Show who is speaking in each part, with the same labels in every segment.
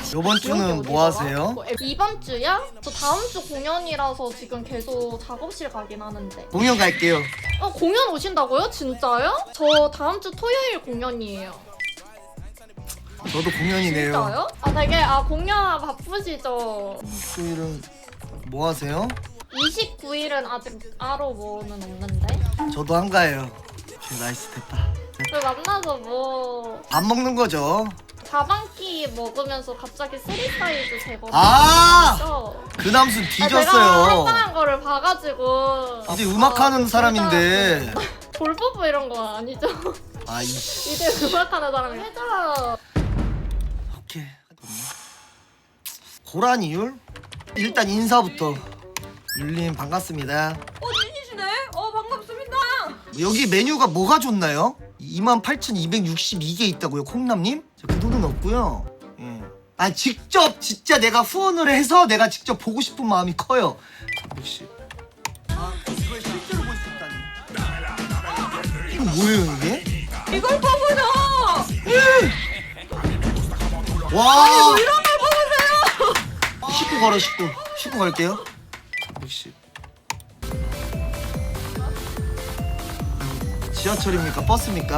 Speaker 1: 요번 주는 뭐 하세요?
Speaker 2: 이번 주요? 저 다음 주 공연이라서 지금 계속 작업실 가긴 하는데.
Speaker 1: 공연 갈게요.
Speaker 2: 공연 오신다고요? 진짜요? 저 다음 주 토요일 공연이에요.
Speaker 1: 저도 공연이네요.
Speaker 2: 진짜요? 되게 공연 바쁘시죠?
Speaker 1: 토요일은 뭐 하세요?
Speaker 2: 29일은 아직 아로 뭐는 없는데.
Speaker 1: 저도 한가해요. 오케이, 나이스 됐다.
Speaker 2: 그 만나서 뭐
Speaker 1: 밥 먹는 거죠.
Speaker 2: 자반기 먹으면서 갑자기 쓰리 사이즈 제거.
Speaker 1: 그 남순
Speaker 2: 제가
Speaker 1: 뒤졌어요.
Speaker 2: 활동한 거를 봐가지고.
Speaker 1: 이제 음악하는 사람인데.
Speaker 2: 볼뽀뽀 이런 거 아니죠?
Speaker 1: 아이씨.
Speaker 2: 이제 음악하는 사람이 해줘.
Speaker 1: 오케이. 고란 이율? 일단 인사부터. 율님 반갑습니다.
Speaker 3: 진이시네? 반갑습니다.
Speaker 1: 여기 메뉴가 뭐가 좋나요? 28,262개 있다고요, 콩남님? 그 돈은 없고요. 예. 직접 진짜 내가 후원을 해서 내가 직접 보고 싶은 마음이 커요. 혹시 이걸 실제로 볼 수 있다니. 이거 뭐예요 이게?
Speaker 3: 이걸 보고요.
Speaker 1: 와.
Speaker 3: 뭐 이런 걸 보고서요.
Speaker 1: 19 걸어 19 갈게요. 혹시 지하철입니까? 버스입니까?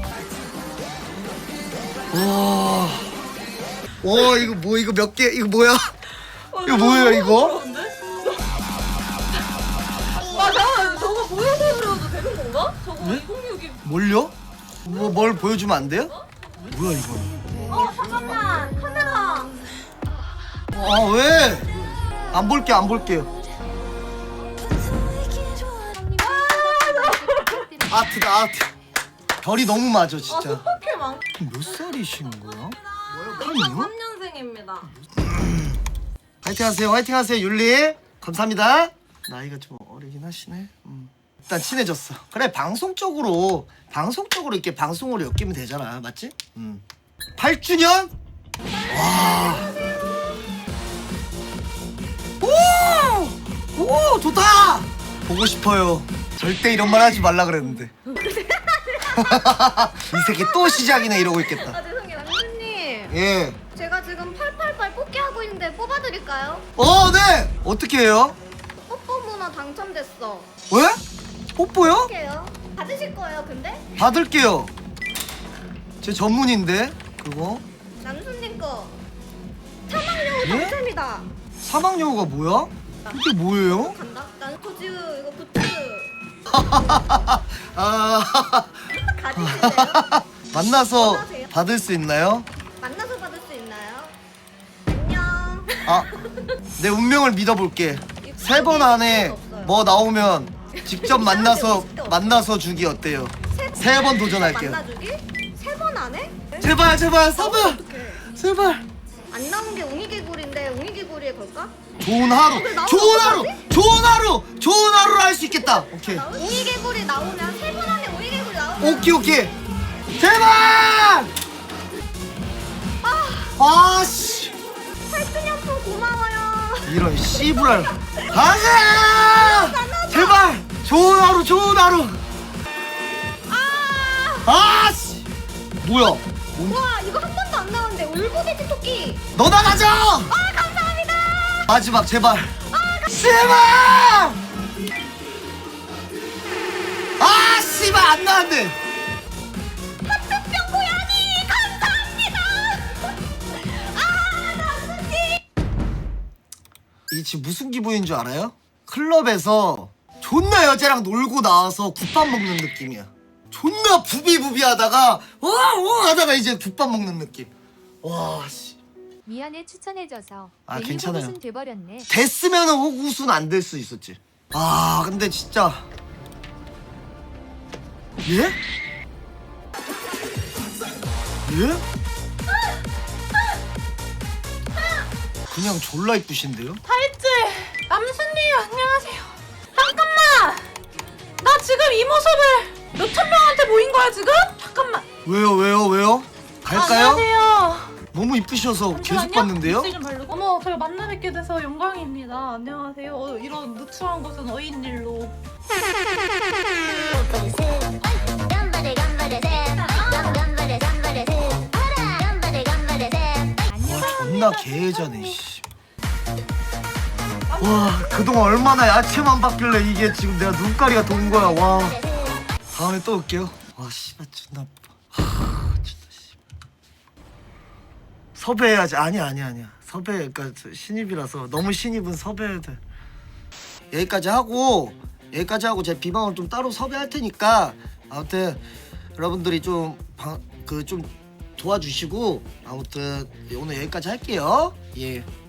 Speaker 1: 와 이거 뭐 이거 몇 개 이거 뭐야? 이거 뭐예요 이거?
Speaker 3: 잠깐만 저거 보여서 그려도 되는 건가? 저거
Speaker 1: 네?
Speaker 3: 2062.
Speaker 1: 뭘요? 뭘 보여주면 안 돼요? 뭐야 이거?
Speaker 3: 잠깐만 카메라.
Speaker 1: 왜? 안 볼게요. 아트다 아트. 별이 너무 맞아 진짜.
Speaker 3: 스파클 많.
Speaker 1: 몇 살이신 거야?
Speaker 3: 2003년생입니다.
Speaker 1: 화이팅 하세요 율리. 감사합니다. 나이가 좀 어리긴 하시네. 일단 친해졌어. 그래 방송적으로 이렇게 방송으로 엮이면 되잖아, 맞지? 8주년? 와. 오 좋다. 보고 싶어요. 절대 이런 말 하지 말라 그랬는데. 이 새끼 또 시작이네 이러고 있겠다.
Speaker 4: 죄송해요 남준님,
Speaker 1: 예.
Speaker 4: 제가 지금 888 뽑기 하고 있는데 뽑아드릴까요?
Speaker 1: 네. 어떻게 해요?
Speaker 4: 뽀뽀 문화 당첨됐어.
Speaker 1: 왜? 뽀뽀요?
Speaker 4: 할게요. 받으실 거예요 근데?
Speaker 1: 받을게요. 제 전문인데 그거.
Speaker 4: 남준님 거 사망여우
Speaker 1: 예?
Speaker 4: 당첨이다.
Speaker 1: 사막여우가 뭐야? 이게 뭐예요?
Speaker 4: 간다. 난토즈 이거 부츠 가지실래요?
Speaker 1: 만나서
Speaker 4: 원하세요?
Speaker 1: 받을 수 있나요?
Speaker 4: 만나서 받을 수 있나요? 안녕.
Speaker 1: 내 운명을 믿어볼게. 3번 안에 뭐 나오면 직접 만나서 주기 어때요? 3번 도전할게요.
Speaker 4: 만나주기? 3번 안에?
Speaker 1: 제발 3번
Speaker 4: 어떡해.
Speaker 1: 제발.
Speaker 4: 안 나온 게 웅이개구리인데 웅이개구리에 걸까?
Speaker 1: 좋은 하루 좋은 하루를 할 수 있겠다. 오케이
Speaker 4: 웅이개구리 나오면 3번 안에 웅이개구리 나오면
Speaker 1: 오케이 제발. 아씨
Speaker 4: 8주년품 고마워요.
Speaker 1: 이런 씨부랄. 가자 제발. 좋은 하루. 아씨 뭐야?
Speaker 4: 와 이거 한 번도 안 나왔는데 울고돼지 토끼.
Speaker 1: 너 나가자.
Speaker 4: 감사합니다.
Speaker 1: 마지막 제발. 제발. 씨발 안 나왔네.
Speaker 4: 하트병 고양이 감사합니다. 남순님.
Speaker 1: 이 지금 무슨 기분인 줄 알아요? 클럽에서 존나 여자랑 놀고 나와서 국밥 먹는 느낌이야. 존나 부비부비하다가 하다가 이제 국밥 먹는 느낌. 와 씨.
Speaker 5: 미안해 추천해줘서
Speaker 1: 괜찮아요.
Speaker 5: 괜찮아요. 호구순 돼버렸네.
Speaker 1: 됐으면은 호구순 안 될 수 있었지. 근데 진짜 예? 예? 그냥 졸라 이쁘신데요?
Speaker 3: 타이츠 남순님 안녕하세요. 잠깐만. 나 지금 이 모습을 몇천 명한테 보인 거야 지금? 잠깐만.
Speaker 1: 왜요? 갈까요?
Speaker 3: 안녕하세요.
Speaker 1: 너무 이쁘셔서 계속
Speaker 3: 잠시만요.
Speaker 1: 봤는데요?
Speaker 3: 입술 좀 바르고. 어머, 저희 만나 뵙게 돼서 영광입니다. 안녕하세요. 이런 누추한 곳은 어인 일로.
Speaker 1: 와 존나 존나 개자네 씨. 와 그동안 얼마나 야채만 봤길래 이게 지금 내가 눈가리가 돈 거야. 와 다음에 또 올게요. 와 씨발 존나 진짜 씨. 섭외해야지. 아니야 섭외 그러니까 신입이라서 너무 신입은 섭외해야 돼. 여기까지 하고 제 비방을 좀 따로 섭외할 테니까 아무튼 여러분들이 좀 좀 도와주시고 아무튼 오늘 여기까지 할게요. 예.